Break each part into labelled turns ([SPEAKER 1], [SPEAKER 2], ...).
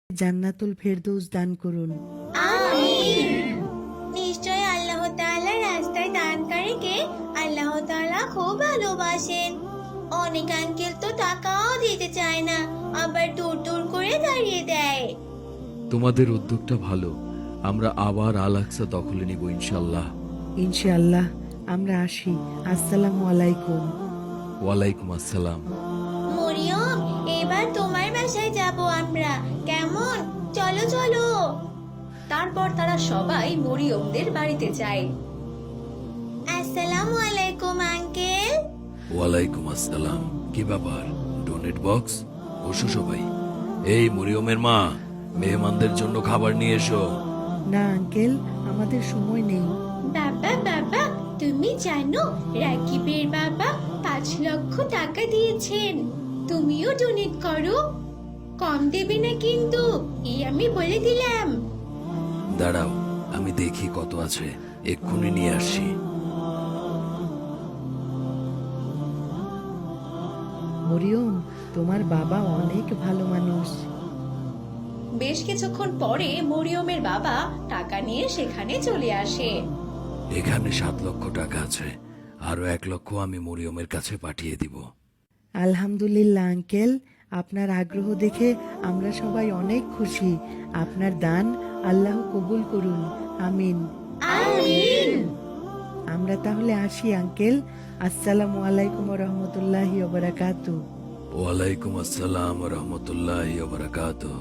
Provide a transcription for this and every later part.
[SPEAKER 1] জান্নাতুল ফেরদৌস দান করুন।
[SPEAKER 2] আমিন। নিশ্চয় আল্লাহ তাআলা রাস্তায় দানকারীকে আল্লাহ তাআলা খুব ভালোবাসেন। অনেক আঙ্কেল তো টাকাও দিতে চায় না, আবার দূর দূর করে দাঁড়িয়ে দেয়।
[SPEAKER 3] তোমাদের উদ্যোগটা ভালো। আমরা আবার আল আকসা দখলে নিব ইনশাল্লাহ।
[SPEAKER 1] ইনশাআল্লাহ। আমরা আসি। আসসালামু আলাইকুম।
[SPEAKER 3] ওয়ালাইকুম আসসালাম।
[SPEAKER 2] মরিয়ম, এবার তোমার বাসায় যাব আমরা, কেমন? চলো চলো।
[SPEAKER 4] তারপর তারা সবাই মরিয়মদের বাড়িতে যায়।
[SPEAKER 2] আসসালামু আলাইকুম আঙ্কেল।
[SPEAKER 3] ওয়ালাইকুম আসসালাম। কি ব্যাপার, ডোনেট বক্স? বসো সবাই। এই মরিয়মের মা, মেহমানদের জন্য খাবার নিয়ে এসো।
[SPEAKER 1] না আঙ্কেল, আমাদের সময় নেই।
[SPEAKER 2] বাবা বাবা, তুমি জানো রাকিবের বাবা 5 লক্ষ টাকা দিয়েছেন। তুমিও ডোনেট করো, কম দেবে না কিন্তু, এই আমি বলে দিলাম।
[SPEAKER 3] দাঁড়াও, আমি দেখি কত আছে, এক্ষুনি নিয়ে আসি।
[SPEAKER 1] মরিয়ম, তোমার বাবা অনেক ভালো মানুষ।
[SPEAKER 4] বেশ কিছুক্ষণ পরে মরিয়মের বাবা টাকা নিয়ে সেখানে চলে আসে।
[SPEAKER 3] এখানে 7 লক্ষ টাকা আছে, আরো 1 লক্ষ আমি মরিয়মের কাছে পাঠিয়ে দিব।
[SPEAKER 1] আলহামদুলিল্লাহ আঙ্কেল, আপনার আগ্রহ দেখে আমরা সবাই অনেক খুশি। আপনার দান আল্লাহ কবুল করুন। আমিন।
[SPEAKER 2] আমিন।
[SPEAKER 1] আমরা তাহলে আসি আঙ্কেল। আসসালামু আলাইকুম রহমতুল্লাহি ওবারাকাতু।
[SPEAKER 3] ওয়ালাইকুম আসসালাম রহমতুল্লাহ বারাকাতুহু।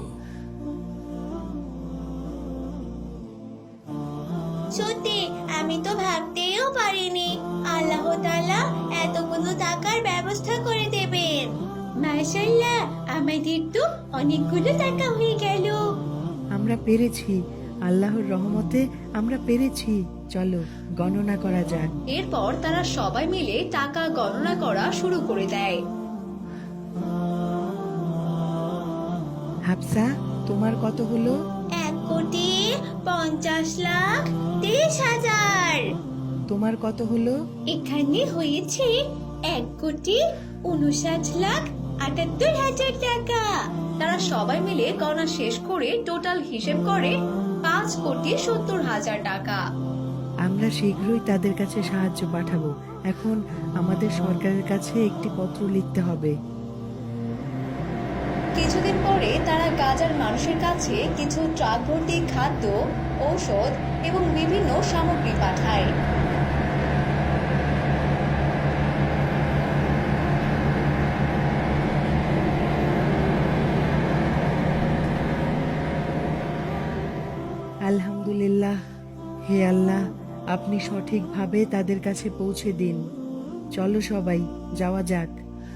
[SPEAKER 2] সত্যি আমি তো ভাবতেও পারিনি আল্লাহ তাআলা এতগুলো টাকার ব্যবস্থা করে দেবেন। মাশাআল্লাহ, আমাদের তো অনেকগুলো টাকা হয়ে গেল।
[SPEAKER 1] আমরা পেরেছি, আল্লাহর রহমতে আমরা পেরেছি। চলো গণনা করা যাক।
[SPEAKER 4] এরপর তারা সবাই মিলে টাকা গণনা করা শুরু করে দেয়।
[SPEAKER 1] হাফসা, তোমার কত হলো?
[SPEAKER 2] 1,50,30,000।
[SPEAKER 1] তোমার কত হলো?
[SPEAKER 2] এখানে হয়েছে 1,59,78,000 টাকা।
[SPEAKER 4] তারা সবাই মিলে গণনা শেষ করে টোটাল হিসেব করে 5,70,000 টাকা।
[SPEAKER 1] আমরা শীঘ্রই তাদের কাছে সাহায্য পাঠাবো। এখন আমাদের সরকারের কাছে একটি পত্র লিখতে হবে।
[SPEAKER 4] কিছুদিন পরে তারা গাজার মানুষের কাছে কিছু ট্রাক ভর্তি খাদ্য, ঔষধ এবং বিভিন্ন সামগ্রী পাঠায়।
[SPEAKER 1] আলহামদুলিল্লাহ। হে আল্লাহ, আপনি সঠিকভাবে তাদের কাছে পৌঁছে দিন। চলো সবাই যাওয়া যাক।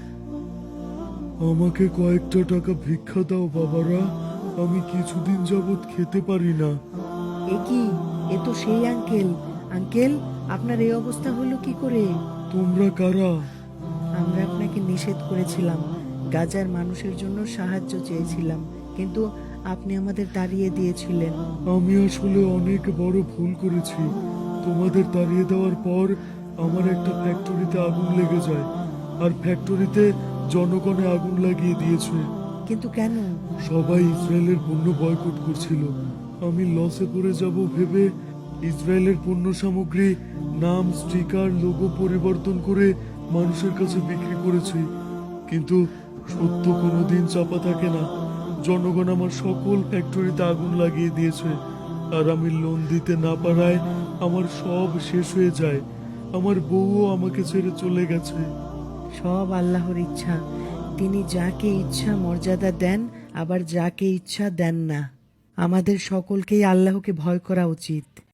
[SPEAKER 5] আমাকে কয়েকটা টাকা ভিক্ষা দাও বাবারা, আমি কিছুদিন যাবৎ খেতে পারি না।
[SPEAKER 1] এ কি? এ তো সেই আঙ্কেল। আঙ্কেল, আপনার এই অবস্থা হলো কি করে?
[SPEAKER 5] তোমরা কারা?
[SPEAKER 1] আমরা আপনাকে নিষেধ করেছিলাম, গাজার মানুষের জন্য সাহায্য চেয়েছিলাম, কিন্তু আপনি আমাদের তাড়িয়ে দিয়েছিলেন।
[SPEAKER 5] আমি আসলে অনেক বড় ভুল করেছি। তোমাদের তাড়িয়ে দেওয়ার পর আমার একটা ফ্যাক্টরিতে আগুন লেগে যায়, আর ফ্যাক্টরিতে জনগণে আগুন লাগিয়ে দিয়েছে।
[SPEAKER 1] কিন্তু কেন?
[SPEAKER 5] সবাই ইসরায়েলের পণ্য বয়কট করছিল। আমি লসে পড়ে যাব ভেবে ইসরায়েলের পণ্য সামগ্রী, নাম, স্টিকার, লোগো পরিবর্তন করে মানুষের কাছে বিক্রি করেছি। কিন্তু সত্য কোনোদিন চাপা থাকে না। জনগণ আমার সকল ফ্যাক্টরিতে আগুন লাগিয়ে দিয়েছে, আর আমি লোন দিতে না পারায় আমার সব শেষ হয়ে যায়। আমার বউও আমাকে ছেড়ে চলে গেছে।
[SPEAKER 1] সব আল্লাহর ইচ্ছা। তিনি যাকে ইচ্ছা মর্যাদা দেন, আবার যাকে ইচ্ছা দেন না। আমাদের সকলকেই আল্লাহকে ভয় করা উচিত।